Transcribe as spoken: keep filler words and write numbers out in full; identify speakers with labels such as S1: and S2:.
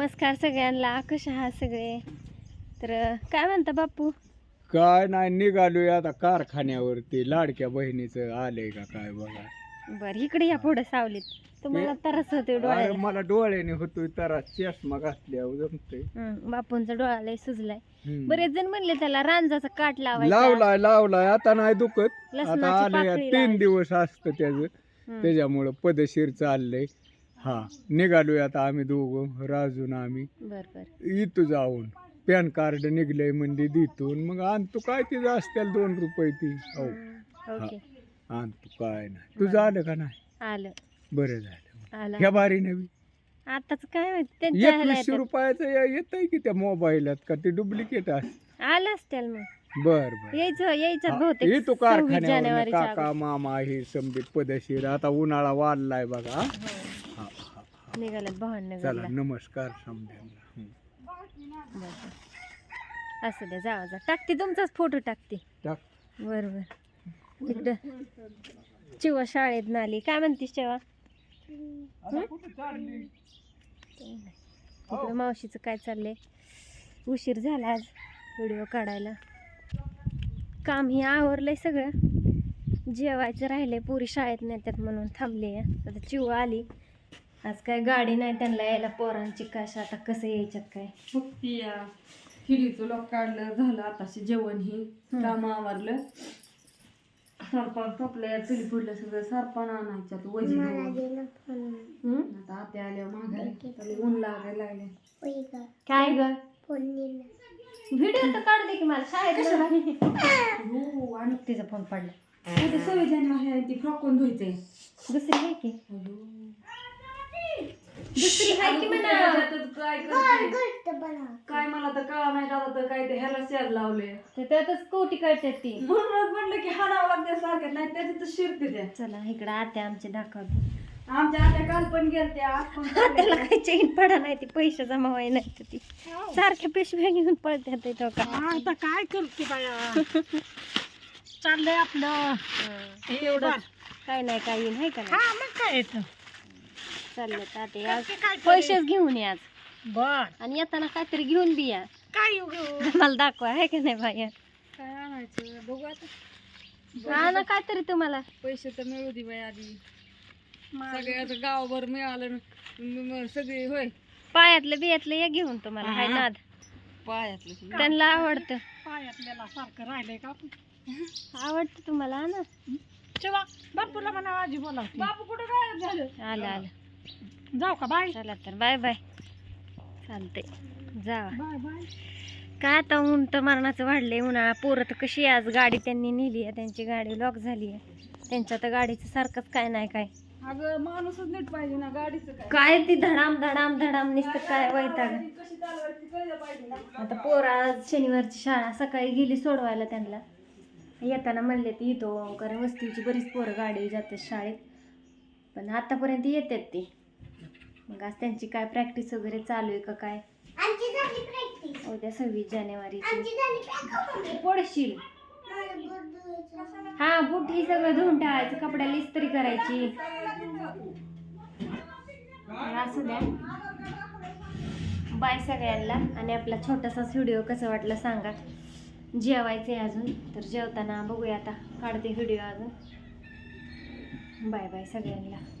S1: नमस्कार सगळ्यांना, कशा आहात सगळे? तर काय म्हणता बापू?
S2: काय नाही, निघालोय आता कारखान्यावरती. लाडक्या बहिणीचं आलंय का काय बघा.
S1: बर इकडे या पुढे सावलीत. तुम्हाला तरच होते
S2: अरे
S1: डोळ्याला.
S2: मला डोळ्याने होतोय तर चष्मा घातल्यावर जमतोय.
S1: हम्म, बापूंचा डोळा लय सुजलाय.
S2: हम्म.
S1: बरेच जण म्हणले त्याला रांजाचा काट लावायचा.
S2: लावलाय लावलाय आता नाही दुखत. आता
S1: लसणाची
S2: आलंय
S1: पाकळी
S2: तीन
S1: लावायची.
S2: दिवस असतं त्याच,
S1: हम्म.
S2: त्याच्यामुळं पदशीर चाललंय. हा निघालोय आता आम्ही दोघं, राजून आम्ही
S1: बर बर
S2: इथं जाऊन पॅन कार्ड निघलंय म्हणजे देतून मग आणतो. काय तिचं असतील दोन रुपये ती. हो
S1: ओके
S2: आणतो, काय नाही. तुझं आलं का नाही?
S1: आलं
S2: बरं झालं.
S1: आलं.
S2: ह्या बारी नवी
S1: आताच काय माहित त्यांच्या ह्याला
S2: एकवीसशे
S1: येतात.
S2: रुपयाचं येत आहे की त्या मोबाईलात, का ते डुप्लिकेट असत?
S1: आलं असतील मग.
S2: बर बर
S1: यायचं यायचं
S2: हा,
S1: बहुतेक
S2: येतो
S1: सव्वीस
S2: कारखान्यावर.
S1: जानेवारीच्या
S2: काका
S1: अगोदर.
S2: मामा हे समजेत पदशीर. आता उन्हाळा वाढलाय बघा.
S1: हो.
S2: हा, हा, हा.
S1: निघाल्यात भावांना
S2: चला
S1: घरला.
S2: नमस्कार समजा.
S1: बर बर. असं द्या, जावा जा. टाकते तुमचाच फोटो टाकते.
S2: टाक.
S1: बरोबर. इकडं चिवा शाळेत नाली. काय म्हणतीस चिवा? इकडं मावशीचं काय चाललंय? उशीर झाला आज व्हिडिओ काढायला. काम हे आवरलंय सगळं. जेवायचं राहिलंय, पोरी शाळेत नेतात म्हणून थांबले. आता चिवा आली. आज काय गाडी नाही त्यांना यायला, पोरांची कशा आता कसं यायच्यात काय.
S3: फक्त या खिडीचं लॉक काढलं, झालं आताशी जेवण ही काम आवरलं. सरपण टोपलं, चुली पुडलं सगळं. सरपण आणायच्यात वजी घेऊन. आता आत्या आल्या माघारी, ऊन लागायला लागले.
S1: काय ग? व्हिडिओ तर काढू दे की मला शाळेत.
S3: हो, आणि
S1: तिचा फोन पडला.
S3: ते सव्वीस जानेवारी आहे, ती फ्रॉकून धुवायचंय.
S1: दुसरी आहे की दुसरी आहे की म्हणा.
S3: त्याच्यातच काय करते काय मला तर कळा नाही. दादा तर काय ते ह्याला शेर लावले,
S1: ते त्यातच कोटी कळतात ती.
S3: म्हणूनच म्हणलं की हाडावं लागते सारख्यात, नाही त्याच्यात शिरते त्या.
S1: चला इकडं आत्या आमचे दाखवते.
S3: आमच्या आत्या काल पण गेलत्या, आज पण
S1: त्याला काही चेन पडा नाही, ती पैसे जमा व्हाय नाही तर ती सारख्या पिशव्या घेऊन पळतात इथं का.
S4: आता काय करते बाया, चाललंय आपलं
S1: एवढं काय नाही काय येईन आहे का नाही.
S4: हा मग काय येतं.
S1: चाललं ताते आज
S4: करते काय तरी.
S1: पैसेच घेऊन या आज.
S4: बर
S1: आणि येताना काहीतरी घेऊन बी या.
S4: काय येऊ घेऊ,
S1: मला दाखवा आहे का नाही बाया.
S3: काय आणायचं बघू आता.
S1: हा ना काहीतरी तुम्हाला.
S3: पैसे तर मिळू दे बाई आधी. सगळ्याचं गावभर मिळालं न- म- म- सगळे होय
S1: पायातलं बियातलं या घेऊन तुम्हाला हाय नाद.
S3: पायातलं सुद्धा.
S1: त्यांना आवडतं.
S4: पायातल्याला सारखं राहिलंय का आपण.
S1: आवडतं तुम्हाला हा ना.
S4: तेव्हा बापूला म्हणा आजी बोला.
S3: बापू कुठं गायब झालं?
S1: आलं आलं.
S4: जाऊ का बाय.
S1: चला तर बाय बाय. चालते जावा.
S4: Bye bye.
S1: काय आता ऊन तर मरणाचं वाढलंय. उन्हाळा. पोरं तर कशी आहे, आज गाडी त्यांनी नेली आहे, त्यांची गाडी लॉक झाली आहे. त्यांच्या तर गाडीचं सारखंच काय नाही काय.
S3: अगं माणूसच नीट पाहिजे ना, गाडीचं काय
S1: काय ती धडाम धडाम धडाम नुसतं काय वैताग.
S3: गाडी कशी चालवायची कळलं पाहिजे ना.
S1: आता पोरं आज शनिवारची शाळा, सकाळी गेली सोडवायला त्यांना. येताना म्हणले ती येतो, कारण वस्तीची बरीच पोरं गाडी जातात शाळेत, पण आतापर्यंत येतात ते. मग आज त्यांची काय प्रॅक्टिस वगैरे चालू आहे का काय. उद्या सव्वीस जानेवारीची पडशील. हा बूट ही सगळं धुवून टाकायचं, कपड्याला इस्त्री करायची. असू द्या. बाय सगळ्यांना. आणि आपला छोटासाच व्हिडिओ कसा वाटला सांगा. जेवायचं आहे अजून, तर जेवताना बघूया आता, काढते व्हिडिओ अजून. बाय बाय सगळ्यांना.